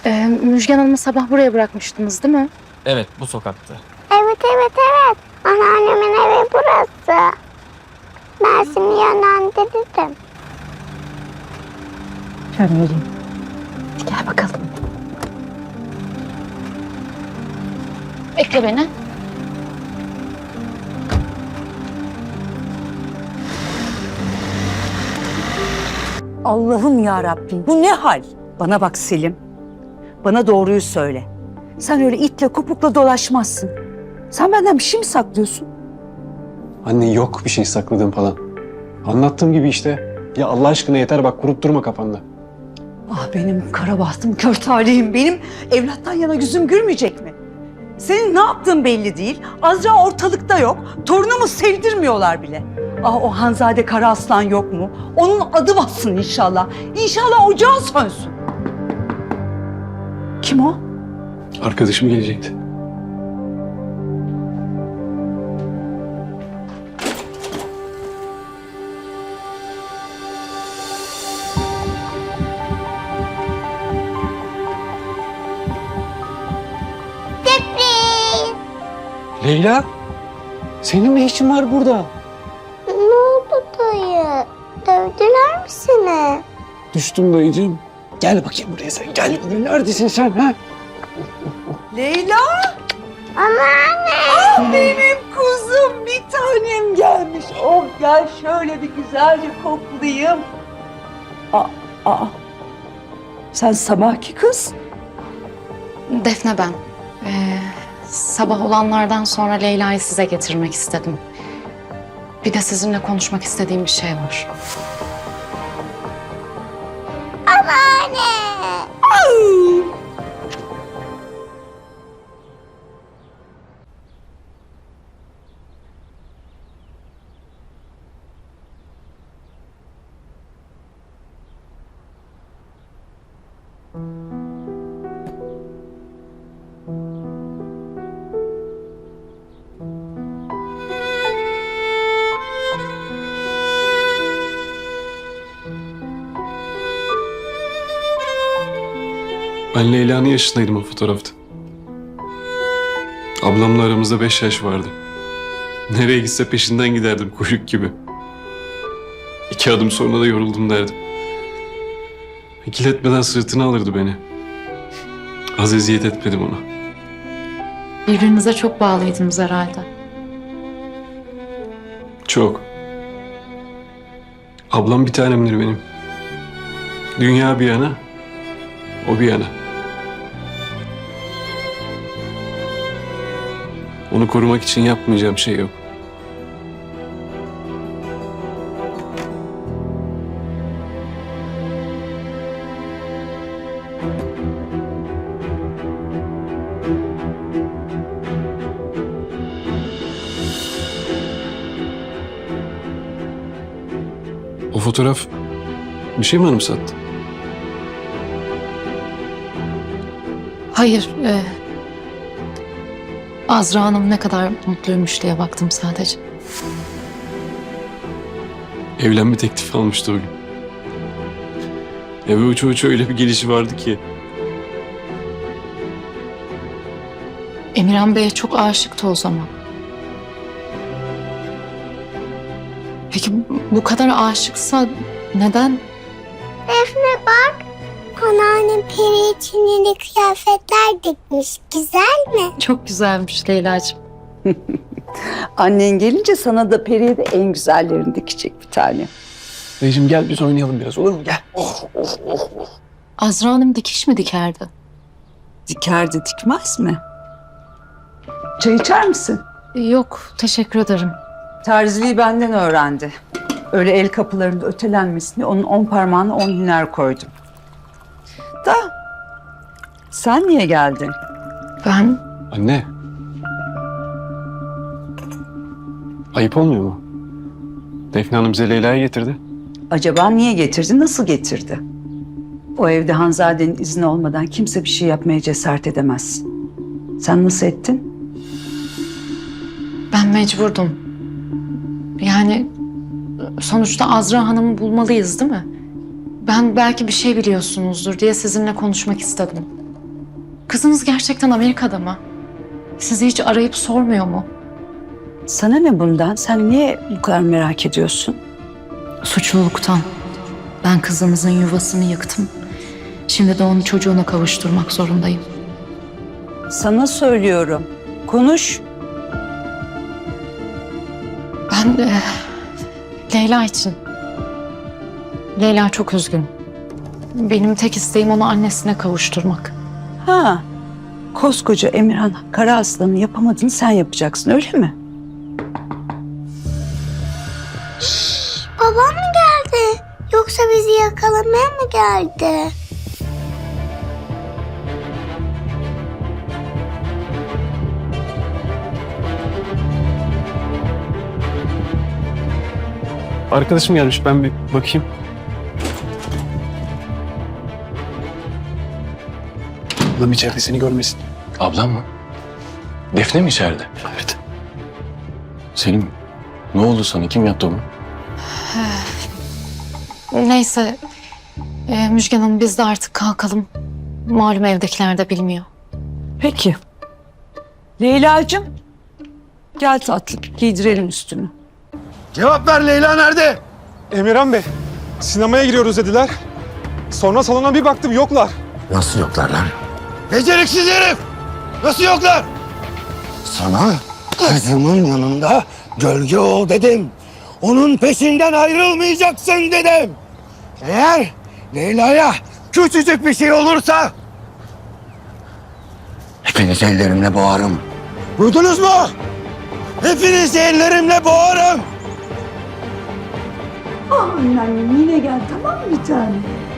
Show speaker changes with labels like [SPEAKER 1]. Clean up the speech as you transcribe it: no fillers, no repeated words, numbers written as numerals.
[SPEAKER 1] Müjgan Hanım'ı sabah buraya bırakmıştınız değil mi?
[SPEAKER 2] Evet, bu sokakta.
[SPEAKER 3] Evet. Anneannemin evi burası. Ben seni yönlendiririm.
[SPEAKER 1] Şöyle vereyim. Gel bakalım. Bekle beni.
[SPEAKER 4] Allah'ım ya Rabbim, bu ne hal? Bana bak Selim. Bana doğruyu söyle. Sen öyle itle kopukla dolaşmazsın. Sen benden bir şey mi saklıyorsun?
[SPEAKER 5] Anne yok bir şey sakladığım falan. Anlattığım gibi işte. Ya Allah aşkına yeter bak kurup durma kafanda.
[SPEAKER 4] Ah benim kara bahtım, kör talihim. Benim evlattan yana yüzüm gülmeyecek mi? Senin ne yaptığın belli değil. Azra ortalıkta yok. Torunumu sevdirmiyorlar bile. Ah o Hanzade Kara Aslan yok mu? Onun adı bassın inşallah. İnşallah ocağı sönsün. Kim o?
[SPEAKER 5] Arkadaşım gelecekti.
[SPEAKER 3] Sürpriz.
[SPEAKER 5] Leyla, senin ne işin var burada?
[SPEAKER 3] Ne oldu dayı? Dövdüler mi seni?
[SPEAKER 5] Düştüm dayıcığım. Gel bakayım buraya sen. Gel buraya. Neredesin sen ha?
[SPEAKER 4] Leyla!
[SPEAKER 3] Anneanne.
[SPEAKER 4] Ah benim kuzum, bir tanem gelmiş. Oh gel şöyle bir güzelce koklayayım. Aa. Sen sabahki kız.
[SPEAKER 1] Defne ben. Sabah olanlardan sonra Leyla'yı size getirmek istedim. Bir de sizinle konuşmak istediğim bir şey var.
[SPEAKER 3] Anneanne.
[SPEAKER 5] Ben Leyla'nın yaşındaydım o fotoğrafta. Ablamla aramızda 5 yaş vardı. Nereye gitse peşinden giderdim kuyruk gibi. 2 adım sonra da yoruldum derdim. İkiletmeden sırtına alırdı beni. Az eziyet etmedim ona.
[SPEAKER 1] Birbirinize çok bağlıydınız herhalde.
[SPEAKER 5] Çok. Ablam bir tanemdir benim. Dünya bir yana, o bir yana. Onu korumak için yapmayacağım şey yok. O fotoğraf bir şey mi anımsattı?
[SPEAKER 1] Hayır. Azra Hanım ne kadar mutluymuş diye baktım sadece.
[SPEAKER 5] Evlenme teklifi almıştı o gün. Eve uça öyle bir gelişi vardı ki.
[SPEAKER 1] Emirhan Bey'e çok aşıktı o zaman. Peki bu kadar aşıksa neden?
[SPEAKER 3] Defne bak. Anneannem peri için yeni kıyafetler dikmiş. Güzel mi?
[SPEAKER 1] Çok güzelmiş Leyla'cığım.
[SPEAKER 4] Annen gelince sana da Peri'ye de en güzellerini dikecek bir tane.
[SPEAKER 5] Dayıcığım gel biz oynayalım biraz olur mu? Gel.
[SPEAKER 1] Azra Hanım dikiş mi dikerdi?
[SPEAKER 4] Dikerdi dikmez mi? Çay içer misin?
[SPEAKER 1] Yok, teşekkür ederim.
[SPEAKER 4] Terziliği benden öğrendi. Öyle el kapılarında ötelenmesini onun 10 parmağına 10 hüner koydum. Da sen niye geldin?
[SPEAKER 1] Ben
[SPEAKER 5] Anne. Ayıp olmuyor mu? Defne Hanım bize Leyla'yı getirdi.
[SPEAKER 4] Acaba niye getirdi, nasıl getirdi? O evde Hanzade'nin izni olmadan kimse bir şey yapmaya cesaret edemez. Sen nasıl ettin?
[SPEAKER 1] Ben mecburdum. Yani sonuçta Azra Hanım'ı bulmalıyız değil mi? Ben belki bir şey biliyorsunuzdur diye sizinle konuşmak istedim. Kızınız gerçekten Amerika'da mı? Sizi hiç arayıp sormuyor mu?
[SPEAKER 4] Sana ne bundan? Sen niye bu kadar merak ediyorsun?
[SPEAKER 1] Suçluluktan. Ben kızınızın yuvasını yıktım. Şimdi de onu çocuğuna kavuşturmak zorundayım.
[SPEAKER 4] Sana söylüyorum. Konuş.
[SPEAKER 1] Ben Leyla için. Leyla çok üzgün. Benim tek isteğim onu annesine kavuşturmak.
[SPEAKER 4] Ha, koskoca Emirhan Kara Aslan'ın yapamadığını sen yapacaksın, öyle mi?
[SPEAKER 3] Babam mı geldi? Yoksa bizi yakalamaya mı geldi?
[SPEAKER 5] Arkadaşım gelmiş, ben bir bakayım. Ablam içeride, seni görmesin.
[SPEAKER 2] Ablam mı? Defne mi içeride?
[SPEAKER 5] Evet.
[SPEAKER 2] Selim, ne oldu sana? Kim yaptı bunu?
[SPEAKER 1] Neyse Müjgan Hanım biz de artık kalkalım. Malum evdekiler de bilmiyor.
[SPEAKER 4] Peki. Leyla'cığım, gel tatlım, giydirelim üstünü.
[SPEAKER 6] Cevap ver, Leyla nerede? Emirhan Bey, sinemaya giriyoruz dediler. Sonra salona bir baktım, yoklar.
[SPEAKER 7] Nasıl yoklar lan?
[SPEAKER 6] Beceriksiz herif! Nasıl yoklar?
[SPEAKER 7] Sana kızımın yanında gölge ol dedim. Onun peşinden ayrılmayacaksın dedim. Eğer Leyla'ya küçücük bir şey olursa hepinizi ellerimle boğarım. Duydunuz mu? Hepinizi ellerimle boğarım.
[SPEAKER 4] Aman annem, yine gel, tamam mı bir tane?